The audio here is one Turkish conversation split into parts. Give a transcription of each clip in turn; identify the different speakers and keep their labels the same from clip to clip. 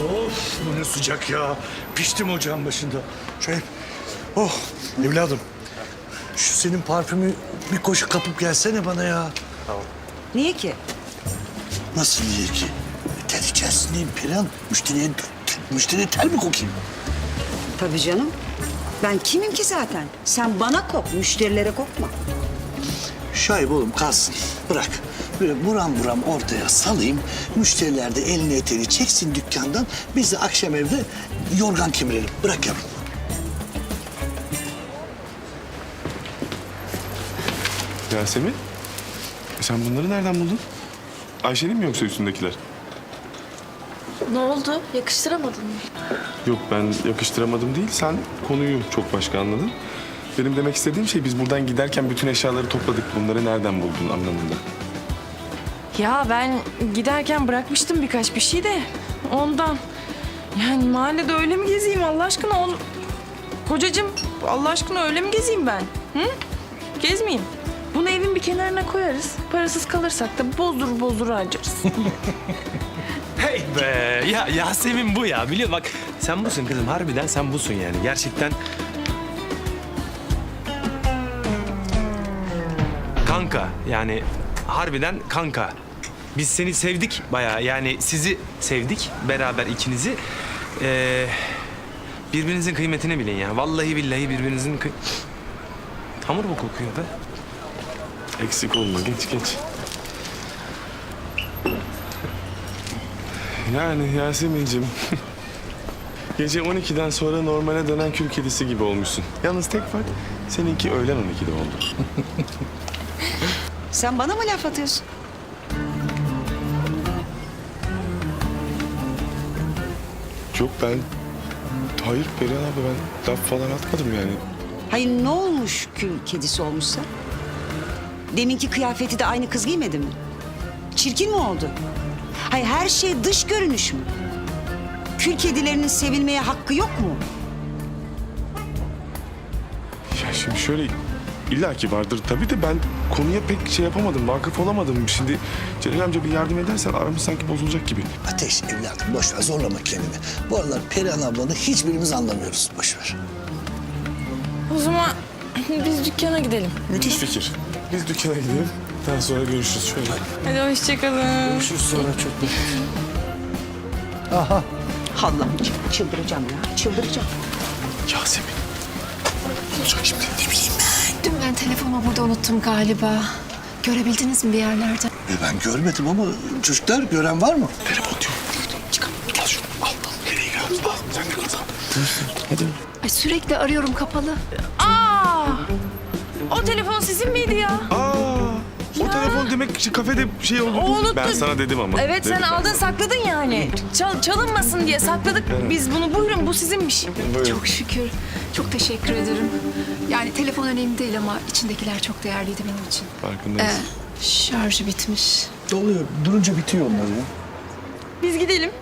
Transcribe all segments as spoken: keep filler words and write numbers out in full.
Speaker 1: Of bu ne sıcak ya. Piştim ocağın başında. Şöyle, oh evladım. Şu senin parfümü bir koşu kapıp gelsene bana ya.
Speaker 2: Niye ki?
Speaker 1: Nasıl niye ki? E, ter içerisindeyim Perihan. Müşteriye, müşteriye ter mi kokayım?
Speaker 2: Tabii canım. Ben kimim ki zaten? Sen bana kok, müşterilere kokma.
Speaker 1: Şahip oğlum kalsın. Bırak. Böyle buram buram ortaya salayım. Müşteriler de elini eteğini çeksin dükkandan. Biz de akşam evde yorgan kemirelim. Bırak yavrum.
Speaker 3: Yasemin, e sen bunları nereden buldun? Ayşe'nin mi yoksa üstündekiler?
Speaker 4: Ne oldu? Yakıştıramadın mı?
Speaker 3: Yok ben yakıştıramadım değil, sen konuyu çok başka anladın. Benim demek istediğim şey biz buradan giderken bütün eşyaları topladık. Bunları nereden buldun anlamında.
Speaker 4: Ya ben giderken bırakmıştım birkaç bir şey de ondan. Yani mahallede öyle mi gezeyim Allah aşkına? On... Kocacığım Allah aşkına öyle mi gezeyim ben? Hı? Gezmeyeyim. Bunu evin bir kenarına koyarız. Parasız kalırsak da bozdur bozdur harcarız.
Speaker 5: Hey be ya Yasemin bu ya biliyor bak sen busun kızım harbiden sen busun yani gerçekten. Kanka yani harbiden kanka. Biz seni sevdik bayağı yani sizi sevdik beraber ikinizi. Ee, birbirinizin kıymetini bilin ya. Vallahi billahi birbirinizin kıy... Hamur mu kokuyor be?
Speaker 3: Eksik olma, geç geç. Yani Yasemin'cim... Gece on ikiden sonra normale dönen kül kedisi gibi olmuşsun. Yalnız tek fark seninki öğlen on ikide oldu.
Speaker 2: Sen bana mı laf atıyorsun?
Speaker 3: Yok ben... Hayır Perihan abi ben laf falan atmadım yani.
Speaker 2: Hayır ne olmuş kül kedisi olmuşsa? Deminki kıyafeti de aynı kız giymedi mi? Çirkin mi oldu? Hayır her şey dış görünüş mü? Kül kedilerinin sevilmeye hakkı yok mu?
Speaker 3: Ya şimdi şöyle illaki vardır tabii de ben konuya pek şey yapamadım, vakıf olamadım. Şimdi Celal amca bir yardım edersen aramız sanki bozulacak gibi.
Speaker 1: Ateş evladım boş ver zorlama kendini. Bu aralar Perihan ablanı hiçbirimiz anlamıyoruz. Boş ver.
Speaker 4: O zaman biz dükkana gidelim.
Speaker 3: Müthiş fikir. Biz dükkana gidelim. Daha sonra görüşürüz şöyle.
Speaker 4: Hadi hoşçakalın.
Speaker 1: Görüşürüz sonra çok Aha.
Speaker 2: Allah'ım çı- çıldıracağım ya çıldıracağım.
Speaker 3: Yasemin. Ne olacak şimdi? Ne bileyim ben.
Speaker 6: Dün ben telefonumu burada unuttum galiba. Görebildiniz mi bir yerlerde?
Speaker 1: E ben görmedim ama çocuklar gören var mı?
Speaker 3: Telefon diyor. Çıkalım. Gel şunu. Al. al. Nereye gidiyorsun? Al. Sen de kızım. Hadi.
Speaker 6: Ay sürekli arıyorum kapalı.
Speaker 4: Aa! O telefon sizin miydi ya?
Speaker 3: Aa. O telefon demek ki kafede şey oldu.
Speaker 4: O unuttu.
Speaker 3: Ben sana dedim ama.
Speaker 4: Evet
Speaker 3: Dedim
Speaker 4: sen
Speaker 3: ben
Speaker 4: aldın
Speaker 3: sana.
Speaker 4: sakladın yani. Çal, çalınmasın diye sakladık biz bunu. Buyurun bu sizinmiş.
Speaker 3: Buyurun.
Speaker 6: Çok şükür. Çok teşekkür ederim. Yani telefon önemli değil ama içindekiler çok değerliydi benim için.
Speaker 3: Farkındayız.
Speaker 6: Ee, şarjı bitmiş.
Speaker 1: Oluyor. Durunca bitiyor onlar ya.
Speaker 4: Biz gidelim.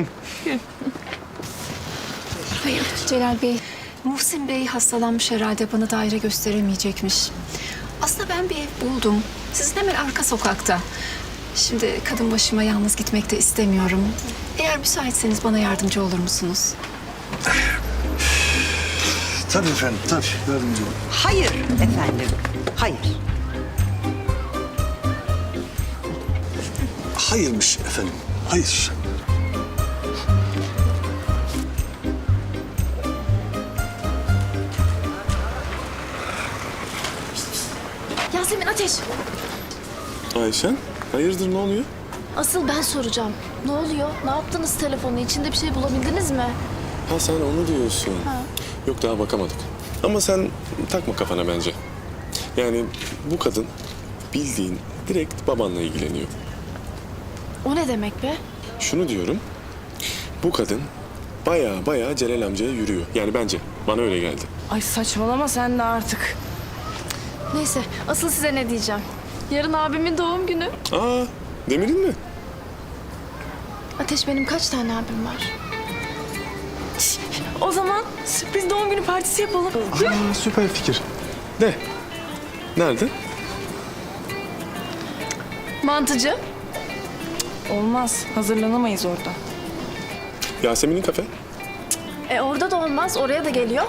Speaker 6: Hayır Celal Bey. Muhsin Bey hastalanmış herhalde bana daire gösteremeyecekmiş. Aslında ben bir ev buldum. Sizin hemen arka sokakta. Şimdi kadın başıma yalnız gitmek de istemiyorum. Eğer müsaitseniz bana yardımcı olur musunuz?
Speaker 1: Tabii efendim tabii. Yardımcı olun.
Speaker 2: Hayır efendim hayır.
Speaker 1: Hayırmış efendim. Hayır.
Speaker 4: Yasemin Ateş.
Speaker 3: Ayşen, hayırdır ne oluyor?
Speaker 7: Asıl ben soracağım. Ne oluyor? Ne yaptınız telefonu? İçinde bir şey bulabildiniz mi?
Speaker 3: Ha sen onu diyorsun. Yok daha bakamadık. Ama sen takma kafana bence. Yani bu kadın bildiğin direkt babanla ilgileniyor.
Speaker 7: O ne demek be?
Speaker 3: Şunu diyorum. Bu kadın baya baya Celal amcaya yürüyor. Yani bence. Bana öyle geldi.
Speaker 4: Ay saçmalama sen de artık.
Speaker 7: Neyse, asıl size ne diyeceğim? Yarın abimin doğum günü.
Speaker 3: Aa, Demir'in mi?
Speaker 7: Ateş benim kaç tane abim var?
Speaker 4: O zaman sürpriz doğum günü partisi yapalım.
Speaker 3: Aa, süper fikir. De. Nerede?
Speaker 7: Mantıcı.
Speaker 4: Olmaz. Hazırlanamayız orada.
Speaker 3: Yasemin'in kafe.
Speaker 7: E orada da olmaz. Oraya da geliyor.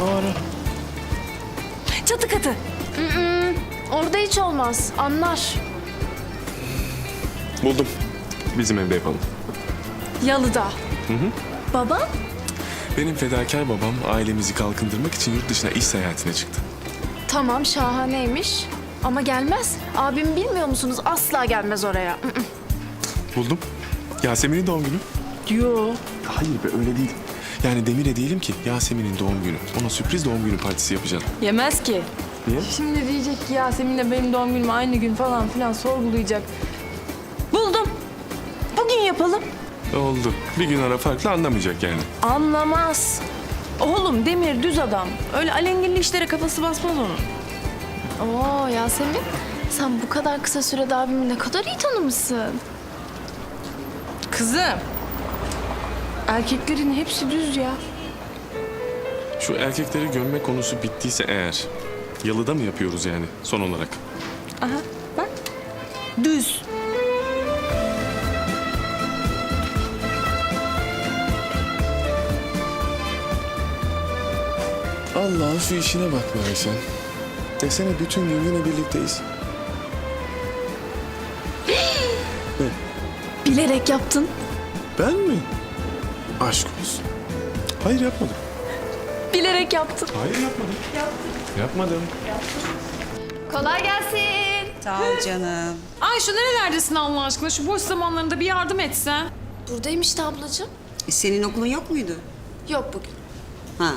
Speaker 4: Çatı katı.
Speaker 7: Mm-mm, orada hiç olmaz. Anlar.
Speaker 3: Buldum. Bizim evde yapalım.
Speaker 7: Yalıda. Baba?
Speaker 3: Benim fedakar babam ailemizi kalkındırmak için yurt dışına iş seyahatine çıktı.
Speaker 7: Tamam, şahaneymiş. Ama gelmez. Abimi bilmiyor musunuz? Asla gelmez oraya. Mm-mm.
Speaker 3: Buldum. Yasemin'in doğum günü.
Speaker 7: Yo.
Speaker 3: Hayır be öyle değil. Yani Demir'e diyelim ki Yasemin'in doğum günü. Ona sürpriz doğum günü partisi yapacağım.
Speaker 4: Yemez ki.
Speaker 3: Niye?
Speaker 4: Şimdi diyecek ki Yasemin'le benim doğum günüm aynı gün falan filan sorgulayacak. Buldum. Bugün yapalım.
Speaker 3: Oldu. Bir gün ara farklı anlamayacak yani.
Speaker 4: Anlamaz. Oğlum Demir düz adam. Öyle alengirli işlere kafası basmaz onun.
Speaker 7: Oo Yasemin, sen bu kadar kısa sürede abimi ne kadar iyi tanımışsın.
Speaker 4: Kızım. Erkeklerin hepsi düz ya.
Speaker 3: Şu erkekleri gömme konusu bittiyse eğer... Yalıda mı yapıyoruz yani son olarak?
Speaker 4: Aha bak. Düz.
Speaker 3: Allah'ın şu işine bak be Ayşen. Desene bütün gün yine birlikteyiz.
Speaker 7: Bilerek yaptın.
Speaker 3: Ben mi? Aşk olsun. Hayır yapmadım.
Speaker 7: Bilerek yaptın.
Speaker 3: Hayır yapmadım. Yapmadım.
Speaker 7: Kolay gelsin.
Speaker 2: Sağ ol canım.
Speaker 8: Ayşe nerelerdesin Allah aşkına? Şu boş zamanlarında bir yardım etsen.
Speaker 7: Buradayım işte ablacığım.
Speaker 2: E, senin okulun yok muydu?
Speaker 7: Yok bugün.
Speaker 2: Ha.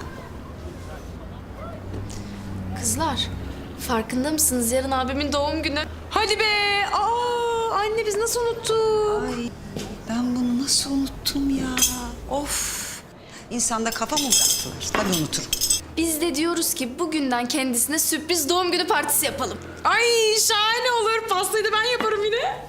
Speaker 7: Kızlar, farkında mısınız? Yarın abimin doğum günü.
Speaker 8: Hadi be! Aa, anne biz nasıl unuttuk?
Speaker 2: Ay ben bunu nasıl unuttum ya? Of. İnsanda kafa mı bıraktılar? Tabii unuturum.
Speaker 7: Biz de diyoruz ki bugünden kendisine sürpriz doğum günü partisi yapalım.
Speaker 8: Ay şahane olur. Pastayı da ben yaparım yine.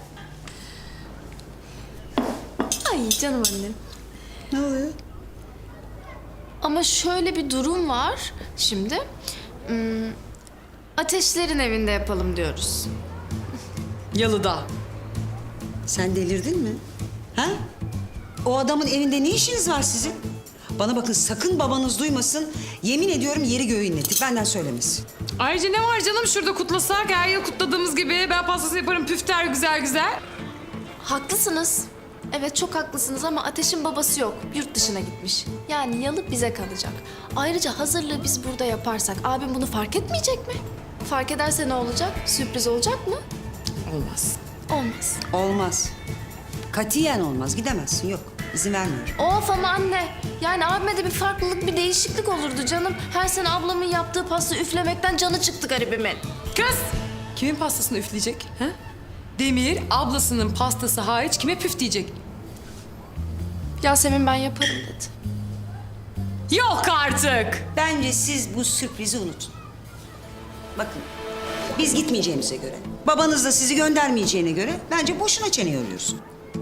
Speaker 7: Ay canım annem.
Speaker 2: Ne oluyor?
Speaker 7: Ama şöyle bir durum var şimdi. Hmm, Ateşlerin evinde yapalım diyoruz.
Speaker 8: Yalıda.
Speaker 2: Sen delirdin mi? Ha? O adamın evinde ne işiniz var sizin? Bana bakın sakın babanız duymasın. Yemin ediyorum yeri göğü inletir. Benden söylemesin.
Speaker 8: Ayrıca ne var canım şurada kutlasak? Her yıl kutladığımız gibi ben pastası yaparım püfter güzel güzel.
Speaker 7: Haklısınız. Evet çok haklısınız ama Ateş'in babası yok. Yurt dışına gitmiş. Yani yalı bize kalacak. Ayrıca hazırlığı biz burada yaparsak abim bunu fark etmeyecek mi? Fark ederse ne olacak? Sürpriz olacak mı?
Speaker 8: Olmaz.
Speaker 7: Olmaz.
Speaker 2: Olmaz. Katiyen olmaz. Gidemezsin. Yok. İzin vermiyorum.
Speaker 7: Of ama anne. Yani abime de bir farklılık, bir değişiklik olurdu canım. Her sene ablamın yaptığı pasta üflemekten canı çıktı garibimin.
Speaker 8: Kız! Kimin pastasını üfleyecek? Ha? Demir ablasının pastası hariç kime püf diyecek?
Speaker 7: Yasemin ben yaparım dedi.
Speaker 8: Yok artık!
Speaker 2: Bence siz bu sürprizi unutun. Bakın. Biz gitmeyeceğimize göre, babanız da sizi göndermeyeceğine göre bence boşuna çene yoruyorsun.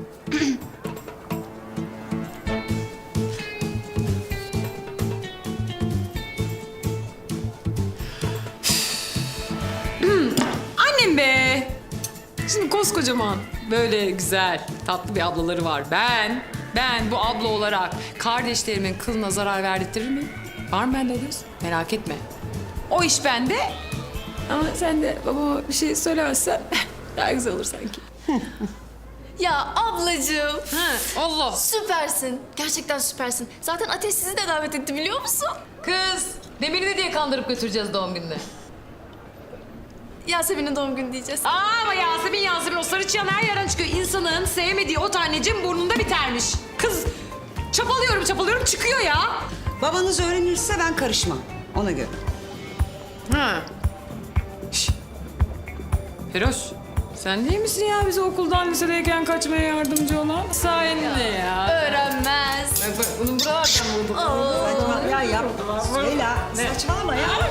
Speaker 8: Annem be! Şimdi koskocaman, böyle güzel, tatlı bir ablaları var. Ben, ben bu abla olarak kardeşlerimin kılına zarar verdirtir miyim? Var mı bende göz? Merak etme. O iş bende. Ama sen de babama bir şey söylemezsen daha güzel olur sanki.
Speaker 7: Ya ablacığım.
Speaker 8: Ha, Allah!
Speaker 7: Süpersin. Gerçekten süpersin. Zaten Ateş sizi de davet etti biliyor musun?
Speaker 8: Kız, Demir'i ne diye kandırıp götüreceğiz doğum gününe?
Speaker 7: Yasemin'in doğum günü diyeceğiz.
Speaker 8: Aa, ama Yasemin Yasemin o sarı çıyan her yerden çıkıyor. İnsanın sevmediği o tanecim burnunda bitermiş. Kız, çapalıyorum çapalıyorum çıkıyor ya.
Speaker 2: Babanız öğrenirse ben karışmam. Ona göre.
Speaker 8: Ha. Şş. Feroş, sen değil misin ya bize okuldan lisedeyken kaçmaya yardımcı olan? Sayende ya.
Speaker 7: Öğrenmez.
Speaker 8: Bak bak bunun buralardan vurdum.
Speaker 2: Saçma ya yap. Leyla saçmalama ya.